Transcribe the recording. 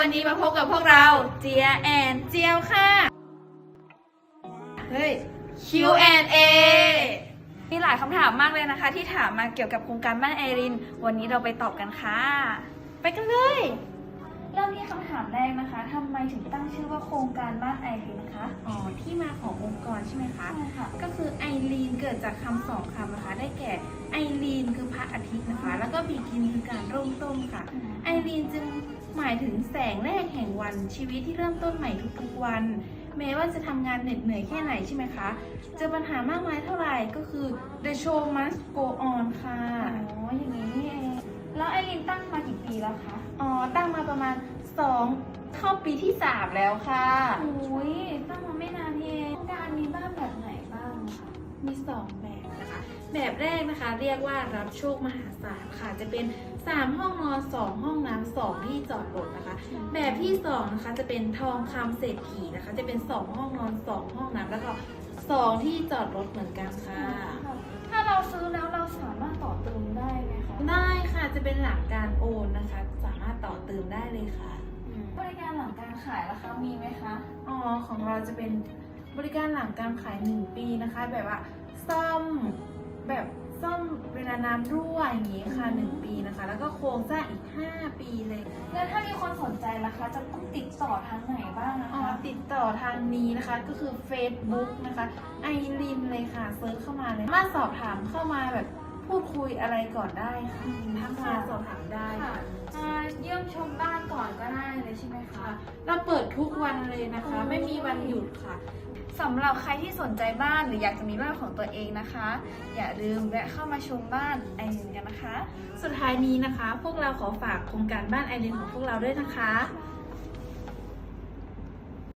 วันนี้มาพบกับพวกเราเจียแอนเจียวค่ะเฮ้ย Q&A มีหลายคำถามมากเลยนะคะที่ถามมาเกี่ยวกับโครงการบ้านไอรินวันนี้เราไปตอบกันค่ะไปกันเลยเริ่มที่คำถามแรกนะคะทำไมถึงตั้งชื่อว่าโครงการบ้านไอรินคะที่มาขององค์กรใช่ไหมคะใช่ค่ะก็คือไอรีนเกิดจากคำสองคำนะคะได้แก่ไอรีนคือพระอาทิตย์นะคะแล้วก็บีกินคือการเริ่มต้นค่ะไอรีนจึงหมายถึงแสงแรกแห่งวันชีวิตที่เริ่มต้นใหม่ทุกๆวันแม้ว่าจะทำงานเหน็ดเหนื่อยแค่ไหนใช่ไหมคะเจอปัญหามากมายเท่าไหร่ก็คือ the show must go on ค่ะอย่างนี้นี่เองแล้วไอรินตั้งมากี่ปีแล้วคะตั้งมาประมาณ2เข้าปีที่3แล้วค่ะอุ้ยตั้งมาไม่นานนี่เองโครงการมีบ้านแบบไหนบ้างคะมี2แบบนะคะแบบแรกนะคะเรียกว่ารับโชคมหาศาลค่ะจะเป็น3ห้องนอน2ห้องน้ำ2ที่จอดรถนะคะแบบที่2นะคะจะเป็นทองคำเศรษฐีนะคะจะเป็น2ห้องนอน2ห้องน้ำแล้วก็2ที่จอดรถเหมือนกันค่ะถ้าเราซื้อแล้วเราสามารถต่อเติมได้ไหมคะได้ค่ะจะเป็นหลักการโอนนะคะสามารถต่อเติมได้เลยค่ะบริการหลังการขายราคามีไหมคะของเราจะเป็นบริการหลังการขาย1ปีนะคะแบบว่าซ่อมเวลาน้ำรั่วอย่างนี้ค่ะ1ปีนะคะแล้วก็โครงสร้างอีก5ปีเลยแล้วถ้ามีคนสนใจราคาจะต้องติดต่อทางไหนบ้างนะคะติดต่อทางนี้นะคะก็คือ Facebook นะคะไอรินเลยค่ะเซิร์ชเข้ามาเลยมาสอบถามเข้ามาแบบพูดคุยอะไรก่อนได้ค่ะทักมาสอบถามได้ค่ะเยี่ยมชมบ้านก่อนก็ได้เลยใช่ไหมคะเราเปิดทุกวันเลยนะคะไม่มีวันหยุดค่ะสำหรับใครที่สนใจบ้านหรืออยากจะมีบ้านของตัวเองนะคะ อย่าลืมแวะเข้ามาชมบ้านไอรินกันนะคะสุดท้ายนี้นะคะ พวกเราขอฝากโครงการบ้านไอรินของพวกเราด้วยนะคะ